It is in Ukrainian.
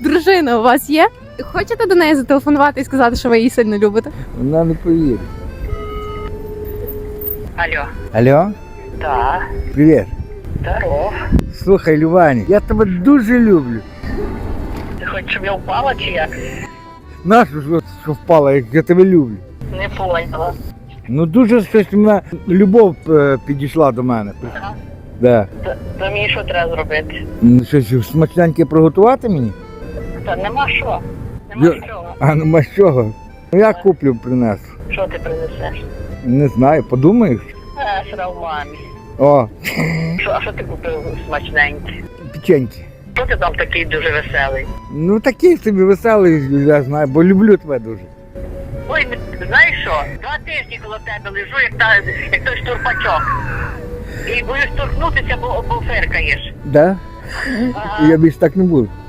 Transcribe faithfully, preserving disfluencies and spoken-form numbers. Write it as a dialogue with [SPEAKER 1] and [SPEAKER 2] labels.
[SPEAKER 1] Дружина у вас є? Хочете до неї зателефонувати і сказати, що ви її сильно любите?
[SPEAKER 2] Вона не повірить.
[SPEAKER 3] Алло.
[SPEAKER 2] Алло,
[SPEAKER 3] Так,
[SPEAKER 2] привіт.
[SPEAKER 3] здоров.
[SPEAKER 2] Слухай, Любані, я тебе дуже люблю.
[SPEAKER 3] Ти хочеш, щоб я впала чи як?
[SPEAKER 2] Нащо ж що впала, як я тебе люблю?
[SPEAKER 3] Не поняла.
[SPEAKER 2] Ну дуже щось мене любов е, підійшла до мене.
[SPEAKER 3] Ага.
[SPEAKER 2] Да.
[SPEAKER 3] То, то мені що треба зробити?
[SPEAKER 2] Ну, щось смачненьке приготувати мені?
[SPEAKER 3] Та нема що. Нема
[SPEAKER 2] Я-
[SPEAKER 3] чого.
[SPEAKER 2] А нема з чого. Ну я куплю, принесу.
[SPEAKER 3] Що ти принесеш?
[SPEAKER 2] Не знаю, подумаєш?
[SPEAKER 3] А, сра в мамі.
[SPEAKER 2] О,
[SPEAKER 3] Що, а що ти купив смачненьке?
[SPEAKER 2] печеньки.
[SPEAKER 3] Хто ти там такий дуже веселий?
[SPEAKER 2] Ну такий собі веселий, я знаю, бо люблю тебе дуже.
[SPEAKER 3] Ой, ми- знаєш що? Два тижні коло тебе лежу, як, та, як той штурпачок. І боюсь торкнутися, бо, бо фиркаєш.
[SPEAKER 2] Да?
[SPEAKER 3] Ага.
[SPEAKER 2] Я більше так не буду.